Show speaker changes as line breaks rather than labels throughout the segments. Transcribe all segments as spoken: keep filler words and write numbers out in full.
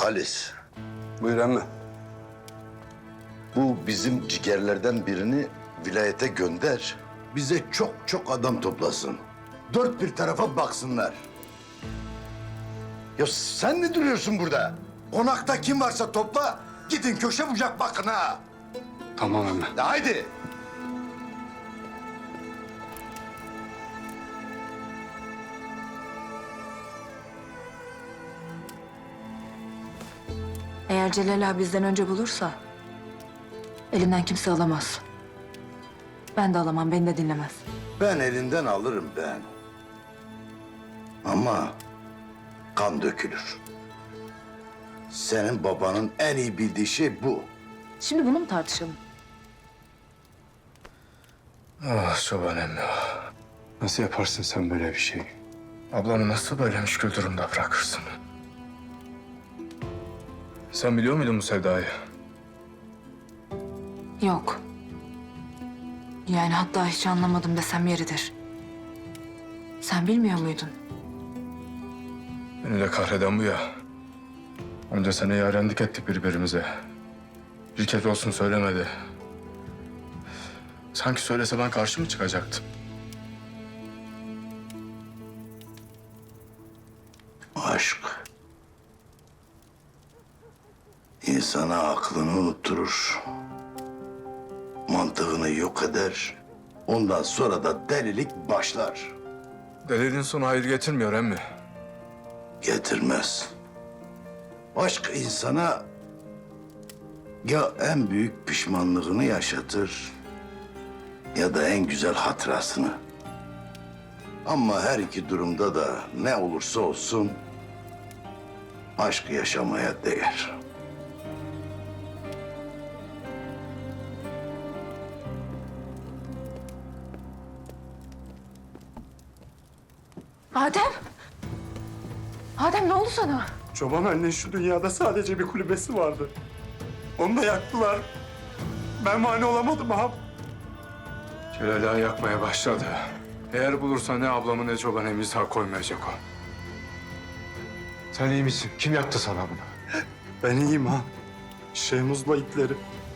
Halis,
Buyur emmi.
bu bizim cigerlerden birini vilayete gönder. Bize çok çok adam toplasın. Dört bir tarafa baksınlar. Ya sen ne duruyorsun burada? Konakta kim varsa topla, gidin köşe bucak bakın ha.
Tamam emmi.
De haydi.
Eğer Celal abi bizden önce bulursa elinden kimse alamaz. Ben de alamam, beni de dinlemez.
Ben elinden alırım ben. Ama kan dökülür. Senin babanın en iyi bildiği şey bu.
Şimdi bunu mu tartışalım?
Ah çoban emmi ah. Nasıl yaparsın sen böyle bir şey? Ablamı nasıl böyle müşkül durumda bırakırsın? Sen biliyor muydun bu sevdayı?
Yok. Yani hatta hiç anlamadım desem yeridir. Sen bilmiyor muydun?
Beni de kahreden bu ya. Onca sene yarenlik ettik birbirimize. Bir kez olsun söylemedi. Sanki söylese ben karşı mı çıkacaktım?
Aşk. İnsana aklını unutturur. Mantığını yok eder. Ondan sonra da delilik başlar.
Deliliğin sonu hayır getirmiyor emmi.
Getirmez. Aşk insana ya en büyük pişmanlığını yaşatır ya da en güzel hatırasını. Ama her iki durumda da ne olursa olsun aşk yaşamaya değer.
Adem! Adem ne oldu sana?
Çoban anne şu dünyada sadece bir kulübesi vardı. Onu da yaktılar. Ben mani olamadım ağam.
Celal ağa yakmaya başladı. Eğer bulursa ne ablamı ne çoban emmi sağ koymayacak o. Sen iyi misin? Kim yaptı sana bunu?
Ben iyiyim ha. Şehmuz'la itleri.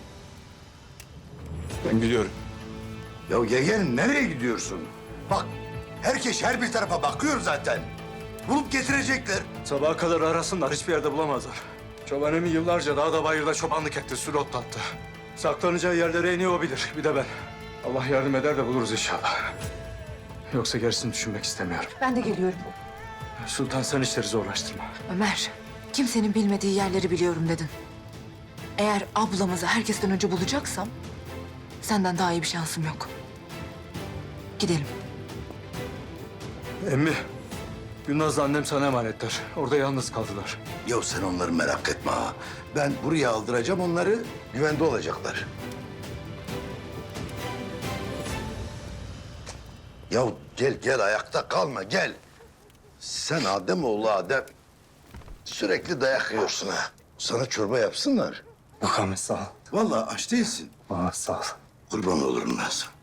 Ben biliyorum.
Ya yeğenim nereye gidiyorsun? Bak herkes her bir tarafa bakıyor zaten. Bulup getirecekler.
Sabaha kadar arasınlar, hiçbir yerde bulamazlar.
Çoban emmi yıllarca dağda bayırda çobanlık etti, sürü otlattı.
Saklanacağı yerlere en iyi o bilir, bir de ben.
Allah yardım eder de buluruz inşallah. Yoksa gerisini düşünmek istemiyorum.
Ben de geliyorum.
Sultan sen işleri zorlaştırma.
Ömer, kimsenin bilmediği yerleri biliyorum dedin. Eğer ablamızı herkesten önce bulacaksam senden daha iyi bir şansım yok. Gidelim.
Emmi, Gülnaz'la annem sana emanetler. Orada yalnız kaldılar.
Ya sen onları merak etme ha. Ben buraya aldıracağım onları, güvende olacaklar. Ya gel gel ayakta kalma gel. Sen Adem oğlu Adem. Sürekli dayak yiyorsun ha. Sana çorba yapsınlar.
Yok Ahmet sağ ol.
Vallahi aç değilsin.
Aa, sağ ol.
Kurban olurum ben sana.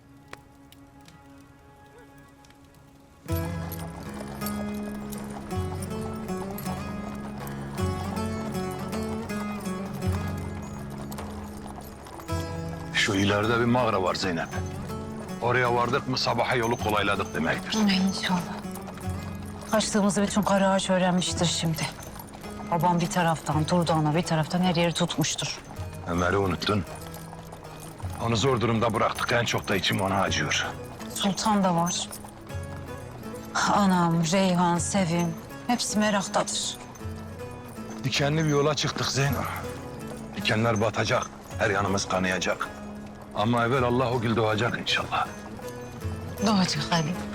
Şu ileride bir mağara var Zeynep. Oraya vardık mı sabaha yolu kolayladık demektir.
İnşallah. Kaçtığımızı bütün kara ağaç öğrenmiştir şimdi. Babam bir taraftan, Durdağ'ına bir taraftan her yeri tutmuştur.
Ömer'i unuttun. Onu zor durumda bıraktık. En çok da içim ona acıyor.
Sultan da var. Anam, Reyhan, Sevim hepsi meraktadır.
Dikenli bir yola çıktık Zeyno. Dikenler batacak. Her yanımız kanayacak. Ama evvel Allah o gül doğacak inşallah.
Doğacak Ali.